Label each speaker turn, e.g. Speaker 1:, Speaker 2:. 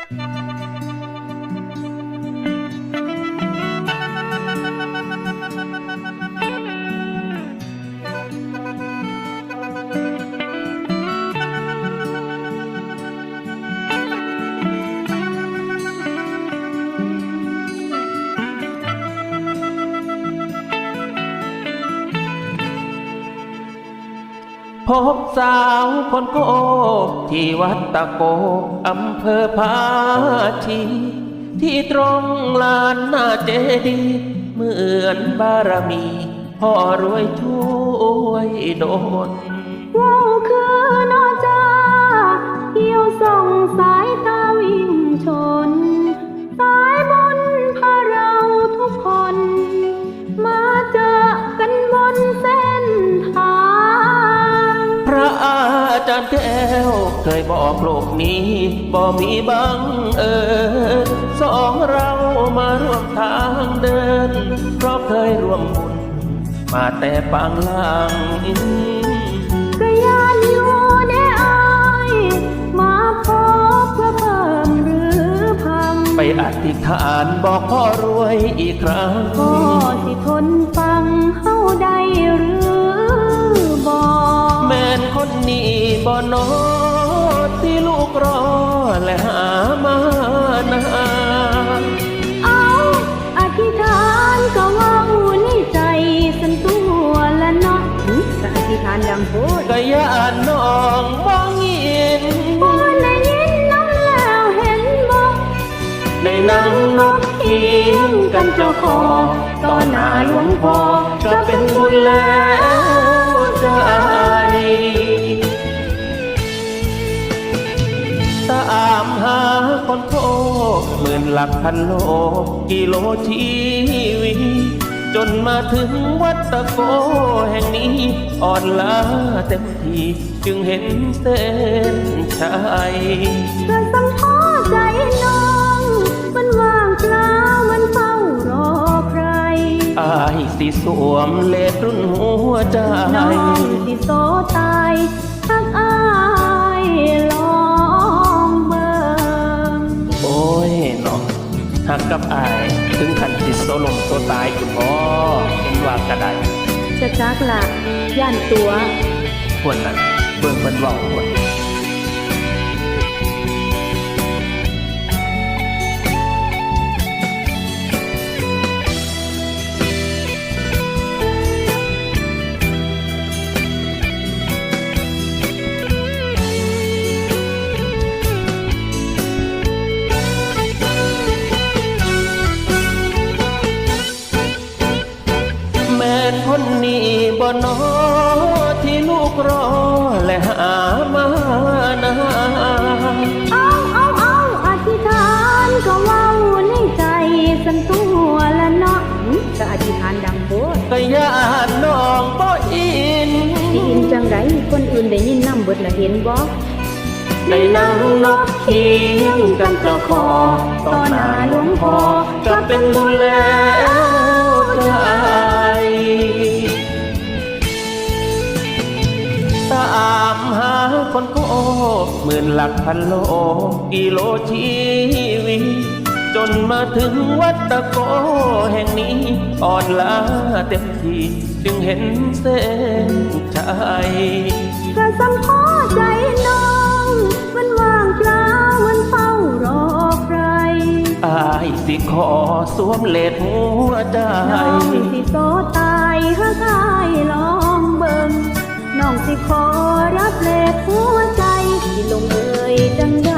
Speaker 1: พบสาวคนโกที่วัดตะโกอำเภอภาชีที่ตรงลานหน้าเจดีย์เหมือนบารมีพ่อรวยช่วยโดน
Speaker 2: ว้าวคือนอจาเกี่ยวส่องสายตาวิ่งชนสายบุญพาเราทุกคนมาเจอกันบนเส้นทาง
Speaker 1: พระอาจารย์แก้วเคยบอกโลกนี้บ่มีบังเอิญสองเรามาร่วมทางเดินเพราะเคยร่วมบุญมาแต่ปางล่าง
Speaker 2: ก็ยานอยู่ในอ้ายมาพบเพื่อเพิ่มหรือพัง
Speaker 1: ไปอธิษฐานบอกพ่อรวยอีกครั้ง
Speaker 2: พ่อสิทนฟังเฮาได้หรือบ่
Speaker 1: แม่นคนนี้บ่นอที่ลูกรอและหามานาน
Speaker 2: เอาอธิษฐานก็ว่าในใจสันตัวละเนาะก็อธิษฐานดังโพด
Speaker 1: ก็ย่านน้องมองยิน
Speaker 2: บ่ได้ยินน้ำแล้วเห็นบ่
Speaker 1: ในนั่งนกเคียงกันเจ้าขอต่อหน้าหลวงพ่อก็เป็นบุญแล้วใจตามหาคนโทหมื่นหลักพันโลกิโลชีวิตจนมาถึงวัดตะโกแห่งนี้อ่อนล้าเต็มทีจึงเห็นเส้นชัย
Speaker 2: กระสังพ่อใจน้องมันว่างเปล่ามันเฝ้ารอใคร
Speaker 1: อายสิสวมเลดรุ่นหัวใจ
Speaker 2: น้องสิโซตายทักอายลองเบิ่ง
Speaker 1: โอ้ยน้องหักกับอายถึงขันติดโซลมโซตายคุณพ่อเป็นว่ากระได
Speaker 2: จะจักละย่านตัว
Speaker 1: ควรนั้นเบิ่งเป็นว่าวควรคนนี้บ่นอที่ลูกรอและหามานา
Speaker 2: เอาอธิษฐานก็เว้าในใจสันตัวละเนาะก็อธิษฐานดังโพด
Speaker 1: ก็ย่านน้องบ่อิน
Speaker 2: สิอินจังไดคนอื่นได้ยินนำเบิดละเห็นบ่
Speaker 1: ได้นั่งนกเคียงกันเจ้าขอต่อหน้าหลวงพ่อก็เป็นบุญแล้วใจตามหาคนโกหมื่นหลักพันโลกิโลชีวิตจนมาถึงวัดตะโกแห่งนี้อ่อนล้าเต็มทีจึงเห็นเส้นชัย
Speaker 2: กระสังพ่อใจน้องมันว่างเปล่ามันเฝ้ารอใคร
Speaker 1: อายสิขอสวมเลดหัวใจ
Speaker 2: น้องสิโซตายหากอายลองเบิ่งน้องสิขอรับเลดหัวใจที่ลงเอ่ยดัง